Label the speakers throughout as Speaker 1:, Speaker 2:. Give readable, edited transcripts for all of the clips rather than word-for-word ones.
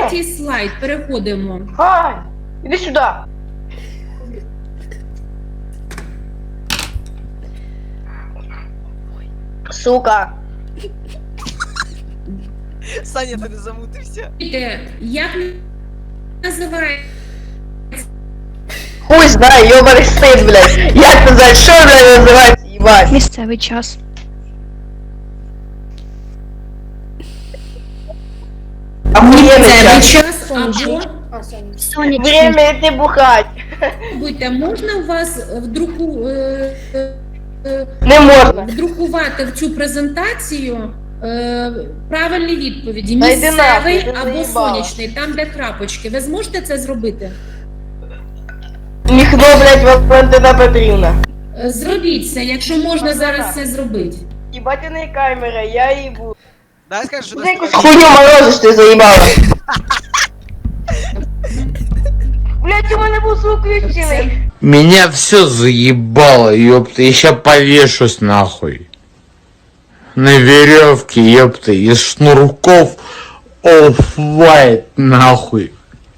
Speaker 1: Третій слайд, переходимо.
Speaker 2: Ай, іди сюди. Сука.
Speaker 3: Саня, ти не замутився?
Speaker 1: Як називається?
Speaker 2: Хуй знає, ёбаний стейт, блядь. Як це за що, блядь, називається, їбать?
Speaker 4: Місцевий час.
Speaker 2: Охуєнний час.
Speaker 1: Час або
Speaker 4: Сонячний.
Speaker 2: Время йти бухать.
Speaker 1: будьте, можна у вас
Speaker 2: Не можна.
Speaker 1: вдрукувати в цю презентацію правильні відповіді.
Speaker 2: Та йди нахуй,
Speaker 1: Місцевий
Speaker 2: ти
Speaker 1: або
Speaker 2: заїбала.
Speaker 1: сонячний, там де крапочки. Ви зможете це зробити?
Speaker 2: Ніхто, блядь, Валентина Петрівна.
Speaker 1: Зробіть це, якщо можна зараз це зробити.
Speaker 2: Їбатяний камера, я їбу.
Speaker 3: Дай скажи, що
Speaker 2: Ти
Speaker 3: ти
Speaker 2: якусь хуйню морозиш, ти заїбала. Блядь, у мене був звук включений.
Speaker 5: Меня все заебало, ёпта, я ща повешусь нахуй. На веревке, ёпта, из шнурков оф-вайт нахуй.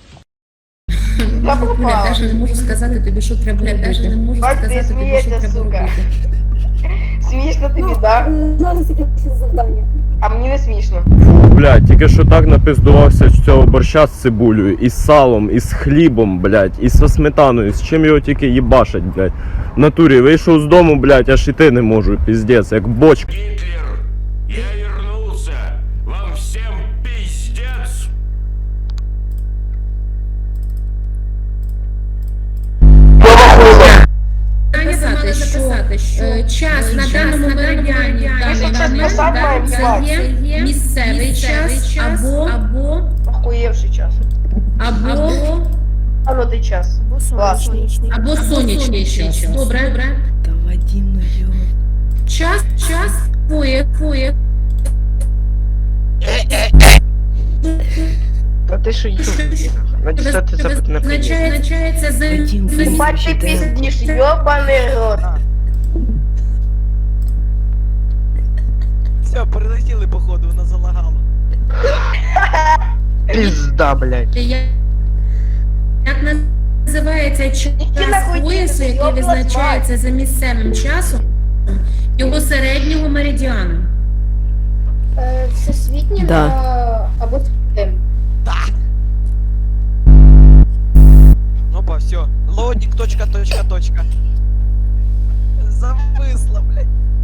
Speaker 2: Я
Speaker 1: Я
Speaker 2: пропала.
Speaker 1: навіть не можу сказати тобі, що треба робити. Я навіть не можу
Speaker 2: Бать, ти
Speaker 1: сказати тобі, що
Speaker 2: смієшся,
Speaker 1: треба
Speaker 2: сука.
Speaker 1: робити.
Speaker 2: Смішно тобі, да?
Speaker 6: Зараз якесь завдання.
Speaker 2: А мені не смішно.
Speaker 7: Блядь, тільки що так напиздувався з цього борща з цибулею, із салом, із хлібом, блядь, із со сметаною, з чим його тільки їбашать, блядь. В натурі вийшов з дому, блядь, аж іти не можу, піздець, як бочка.
Speaker 8: Гитлер, я вернулся. Вам всем пиздец.
Speaker 1: Написати, що час на даному меридіані в даний момент да, це є місцевий час або
Speaker 2: Охуєвший час. А ну ти час.
Speaker 6: Сонячний.
Speaker 1: або сонячний час. Добре.
Speaker 3: Та Вадим, ну йо.
Speaker 1: Час фує.
Speaker 2: Та ти що їб? Надіслати запит не приїзд.
Speaker 1: Означається за
Speaker 2: Бать ти піздіш, йобаний рот.
Speaker 3: Все, перелетіли, походу, вона залагала.
Speaker 2: Пізда, блядь.
Speaker 1: як називається час
Speaker 2: нахуй
Speaker 1: поясу,
Speaker 2: ти,
Speaker 1: який
Speaker 2: йобла
Speaker 1: визначається за місцевим часом його середнього меридіану.
Speaker 6: Всесвітній або тим.
Speaker 3: Опа, все. Лодник, точка. Зависла, блядь.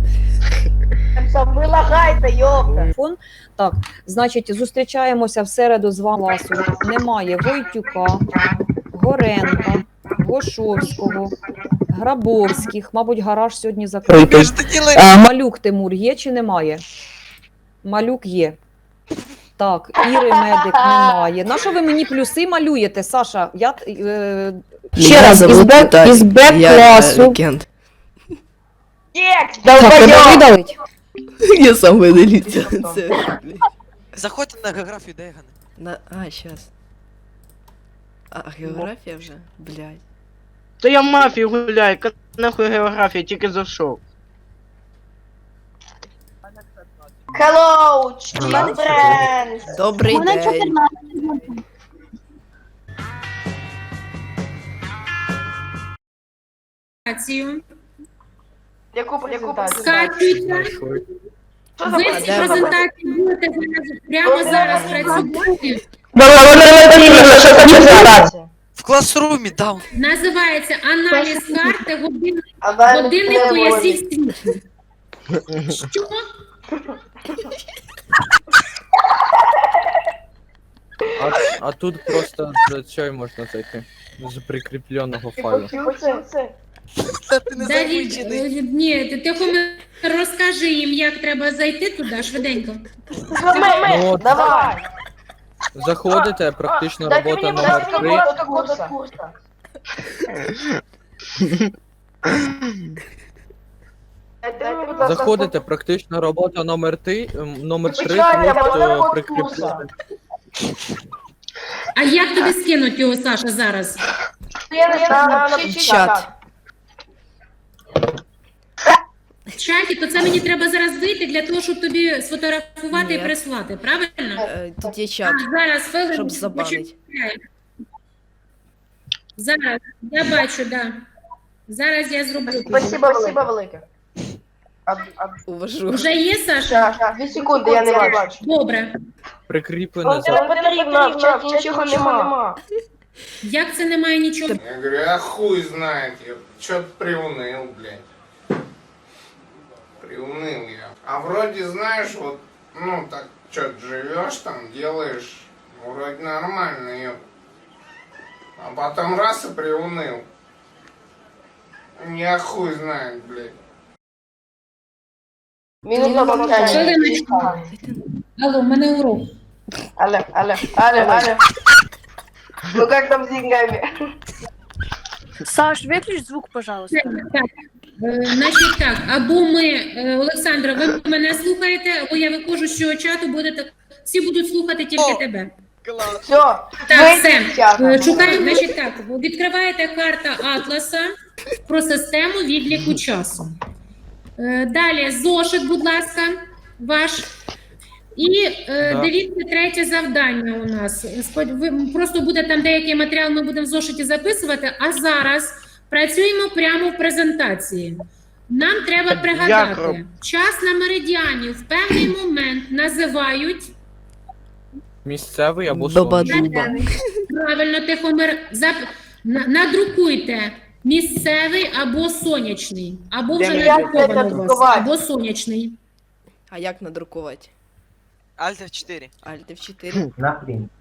Speaker 2: Ви лагайте, йобка.
Speaker 9: Так, значить, зустрічаємося в середу з вами. Немає Войтюка, Горенка, Гошовського, Грабовських. Мабуть, гараж сьогодні закритий. Малюк Тимур є чи немає? Малюк є. Так, Іри Медик немає. На що ви мені плюси малюєте, Саша? Ще раз, із Б-класу.
Speaker 2: Текст,
Speaker 9: Так, треба
Speaker 2: долбойоб.
Speaker 9: видалить?
Speaker 10: Я сам видаліться.
Speaker 3: Заходьте на географію Дейгана.
Speaker 10: Щас. А, географія вже? Блядь.
Speaker 2: То я мафію гуляю, нахуй географія, тільки зайшов. Hello, my friends.
Speaker 10: Добрий день.
Speaker 2: Яку презентацію?
Speaker 1: Скачуйте.
Speaker 2: Що за
Speaker 1: Ви ці
Speaker 2: презентація?
Speaker 1: презентації будете прямо зараз працювати.
Speaker 2: Що за презентація?
Speaker 3: В класрумі, даун.
Speaker 1: Називається аналіз карти годинник
Speaker 2: Годинник
Speaker 1: поясів світу. Що?
Speaker 11: А тут просто цей можна зайти. З прикріпленого файлу.
Speaker 3: Та ти не
Speaker 1: Давід,
Speaker 3: замучений.
Speaker 1: ні, ти тихо розкажи їм, як треба зайти туди швиденько.
Speaker 11: Ну, от.
Speaker 2: Давай.
Speaker 11: Заходите, практична
Speaker 2: Дайте
Speaker 11: робота
Speaker 2: мені,
Speaker 11: номер
Speaker 2: будь
Speaker 11: 3.
Speaker 2: ласка, курса.
Speaker 11: Заходите, практична робота номер 3,
Speaker 2: Почекайте,
Speaker 11: тут
Speaker 2: можна роботу
Speaker 11: прикріплений.
Speaker 1: А як тобі скинуть його, Саша, зараз?
Speaker 2: Я не знаю,
Speaker 10: Чат.
Speaker 1: чаті, то це мені треба зараз вийти для того, щоб тобі сфотографувати і
Speaker 10: Ні.
Speaker 1: прислати, правильно?
Speaker 10: Тут є чат,
Speaker 1: Зараз, хвилинку,
Speaker 10: щоб забанить.
Speaker 1: Зараз, я бачу, да. Зараз я зроблю.
Speaker 2: Спасибо велике.
Speaker 10: Уважу.
Speaker 1: Вже є, Саша?
Speaker 2: 2 секунди, я не бачу.
Speaker 1: Добре.
Speaker 3: Прикріплено за.
Speaker 2: Не потрібно, в чаті нічого нема.
Speaker 1: Як це немає нічого?
Speaker 5: Я говорю, а хуй знает, я чё-то приуныл, блядь. Приуныл я. А вроде, знаешь, вот, ну, так, что-то живешь там, делаешь, вроде нормально, ёп. А потом раз и приуныл. Я хуй знает, блядь.
Speaker 2: Мінус на мовчання.
Speaker 1: Хвилиночку. Алло, в мене урок.
Speaker 2: Алло. Ну как там с деньгами?
Speaker 4: Саш, выключи звук, пожалуйста.
Speaker 1: Так, значить так, або ми, Олександра, ви мене слухаєте, або я виходжу з цього чату, будете, всі будуть слухати тільки тебе.
Speaker 2: Все,
Speaker 1: Так, все, шукаємо, значить так, відкриваєте карта Атласа про систему відліку часу. Далі зошит, будь ласка, ваш. І дивіться, третє завдання у нас. Просто буде там деякий матеріал, ми будемо в зошиті записувати, а зараз працюємо прямо в презентації. Нам треба пригадати, час на меридіані в певний момент називають
Speaker 11: Місцевий або сонячний.
Speaker 10: Доба-дуба.
Speaker 1: правильно, Тихомир, надрукуйте місцевий або сонячний, або вже надруковано у вас, або сонячний.
Speaker 10: А як надрукувати?
Speaker 3: Альт F4.
Speaker 10: Alt F4.
Speaker 2: Нахрен.